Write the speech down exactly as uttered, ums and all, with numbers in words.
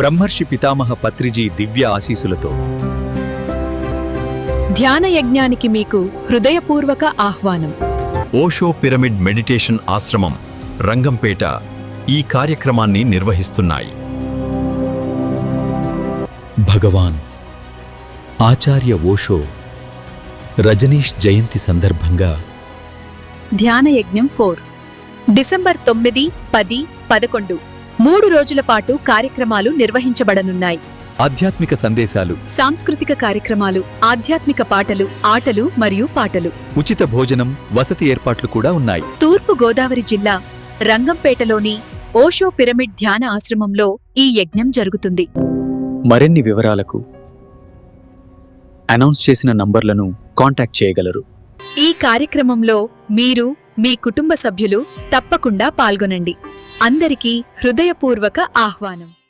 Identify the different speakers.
Speaker 1: బ్రహ్మర్షి పితామహ పత్రిజీ దివ్య ఆశీసులతో
Speaker 2: ధ్యాన యజ్ఞానికి మీకు హృదయపూర్వక ఆహ్వానం.
Speaker 3: ఓషో పిరమిడ్ మెడిటేషన్ ఆశ్రమం రంగంపేట ఈ కార్యక్రమాన్ని నిర్వహిస్తున్నాయి.
Speaker 1: భగవాన్ ఆచార్య ఓషో రజనీష్ జయంతి సందర్భంగా
Speaker 2: ధ్యాన యజ్ఞం ఫోర్ డిసెంబర్ తొమ్మిది పది పదకొండు మూడు రోజుల పాటు కార్యక్రమాలు నిర్వహించబడనున్నాయి.
Speaker 1: ఆధ్యాత్మిక సందేశాలు,
Speaker 2: సాంస్కృతిక కార్యక్రమాలు, ఆధ్యాత్మిక పాటలు, ఆటలు మరియు పాటలు,
Speaker 1: ఉచిత భోజనం, వసతి ఏర్పాట్లు కూడా ఉన్నాయి.
Speaker 2: తూర్పు గోదావరి జిల్లా రంగంపేటలోని ఓషో పిరమిడ్ ధ్యాన ఆశ్రమంలో ఈ యజ్ఞం జరుగుతుంది.
Speaker 4: మరిన్ని వివరాలకు అనౌన్స్ చేసిన నంబర్లను కాంటాక్ట్ చేయగలరు.
Speaker 2: ఈ కార్యక్రమంలో మీరు మీ కుటుంబ సభ్యులు తప్పకుండా పాల్గొనండి. అందరికీ హృదయపూర్వక ఆహ్వానం.